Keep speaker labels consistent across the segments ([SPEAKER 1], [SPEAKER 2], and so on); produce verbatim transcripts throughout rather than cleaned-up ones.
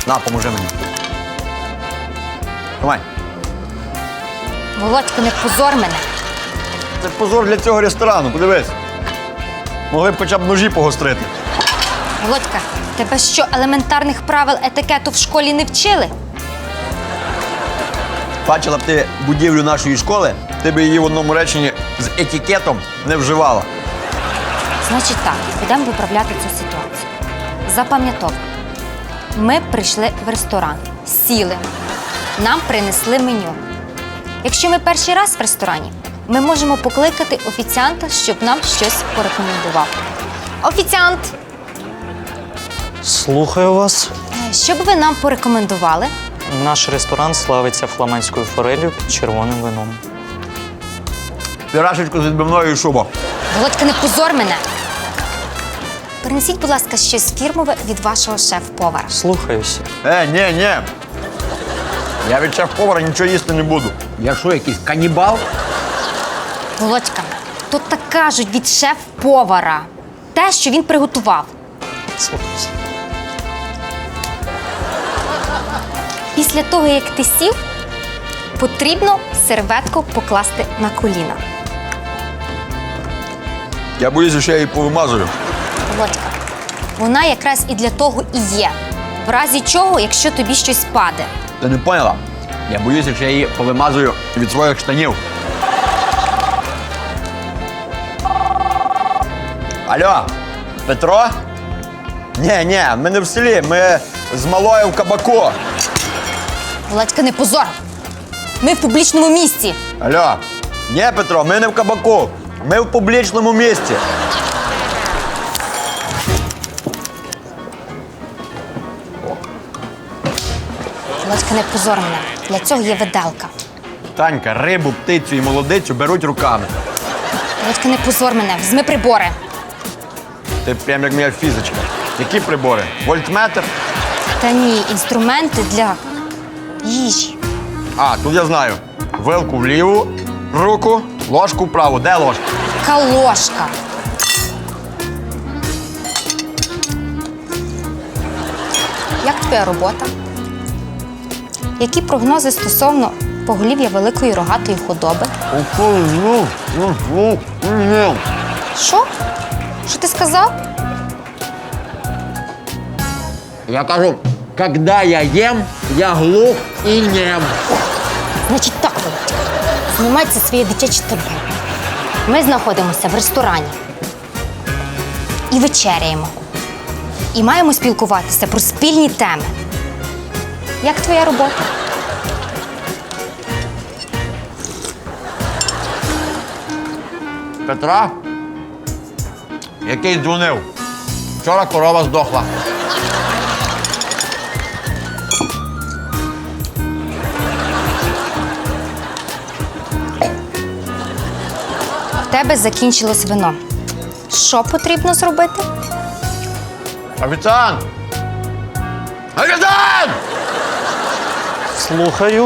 [SPEAKER 1] На, поможи мені. Давай.
[SPEAKER 2] Володька, не позор мене.
[SPEAKER 1] Це позор для цього ресторану, подивись. Могли б хоча б ножі погострити.
[SPEAKER 2] Володька, тебе що, елементарних правил етикету в школі не вчили?
[SPEAKER 1] Бачила б ти будівлю нашої школи, ти б її в одному реченні з етикетом не вживала.
[SPEAKER 2] Значить так, будемо виправляти цю ситуацію. Запам'ятовуй. Ми прийшли в ресторан, сіли, нам принесли меню. Якщо ми перший раз в ресторані, ми можемо покликати офіціанта, щоб нам щось порекомендував. Офіціант!
[SPEAKER 3] Слухаю вас.
[SPEAKER 2] Е, Що б ви нам порекомендували?
[SPEAKER 3] Наш ресторан славиться фламандською форелью під червоним вином.
[SPEAKER 1] Пірашечку з відбивною і шуба.
[SPEAKER 2] Володька, не позор мене! Принесіть, будь ласка, щось фірмове від вашого шеф-повара.
[SPEAKER 3] Слухаюся.
[SPEAKER 1] Е, ні, ні. Я від шеф-повара нічого їсти не буду. Я що, якийсь канібал?
[SPEAKER 2] Володька, то так кажуть від шеф-повара. Те, що він приготував.
[SPEAKER 3] Слухаюся.
[SPEAKER 2] Після того, як ти сів, потрібно серветку покласти на коліна.
[SPEAKER 1] Я боюся, що я її повимазую.
[SPEAKER 2] Володька, вона якраз і для того і є. В разі чого, якщо тобі щось паде.
[SPEAKER 1] Ти не поняла? Я боюся, що я її повимазую від своїх штанів. Алло, Петро? Ні, ні, ми не в селі, ми з малою в кабаку.
[SPEAKER 2] Володька, не позор! Ми в публічному місці.
[SPEAKER 1] Алло, ні, Петро, ми не в кабаку, ми в публічному місці.
[SPEAKER 2] Володька, не позор мене. Для цього є виделка.
[SPEAKER 1] Танька, рибу, птицю і молодицю беруть руками.
[SPEAKER 2] Володька, не позор мене. Візьми прибори.
[SPEAKER 1] Ти прям як моя фізичка. Які прибори? Вольтметр?
[SPEAKER 2] Та ні, інструменти для їжі.
[SPEAKER 1] А, тут я знаю. Вилку в ліву руку, ложку в праву. Де ложка?
[SPEAKER 2] Яка ложка. Як твоя робота? Які прогнози стосовно поголів'я великої рогатої худоби? Що? Що ти сказав?
[SPEAKER 1] Я кажу, когда я ем, я глух і нем.
[SPEAKER 2] Значить так, Володька. Знімайте своє дитяче табу. Ми знаходимося в ресторані. І вечеряємо. І маємо спілкуватися про спільні теми. Як твоя робота?
[SPEAKER 1] Петра, який дзвонив. Вчора корова здохла.
[SPEAKER 2] В тебе закінчилось вино. Що потрібно зробити?
[SPEAKER 1] Офіціант! Офіціант!
[SPEAKER 3] Слухаю.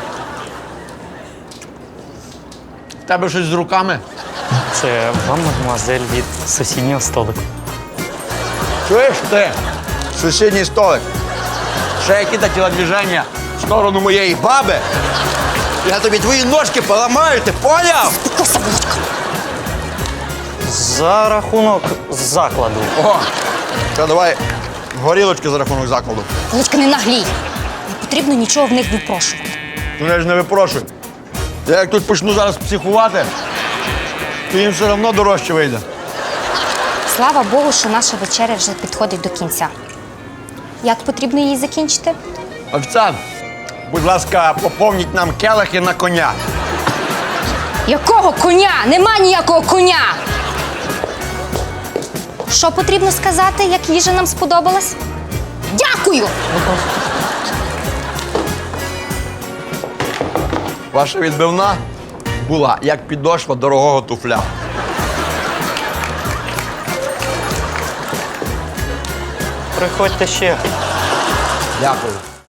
[SPEAKER 1] В тебе щось з руками?
[SPEAKER 3] Це вам, мадемуазель, від сусіднього столику.
[SPEAKER 1] Чуєш ти? Сусідній столик. Ще які-то тілодвіження в сторону моєї баби. Я тобі твої ножки поламаю, ти поняв?
[SPEAKER 2] Спокойся, Володька.
[SPEAKER 3] За рахунок закладу.
[SPEAKER 1] О, що, давай горілочки за рахунок закладу.
[SPEAKER 2] Володька, не наглій. Не потрібно нічого в них випрошувати.
[SPEAKER 1] Ну я ж не випрошую. Я як тут почну зараз психувати, то їм все одно дорожче вийде.
[SPEAKER 2] Слава Богу, що наша вечеря вже підходить до кінця. Як потрібно її закінчити?
[SPEAKER 1] Офіціант, будь ласка, поповніть нам келихи на коня.
[SPEAKER 2] Якого коня? Нема ніякого коня! Що потрібно сказати, як їжа нам сподобалась? Дякую!
[SPEAKER 1] Ваша відбивна була як підошва дорогого туфля.
[SPEAKER 3] Приходьте ще.
[SPEAKER 1] Дякую.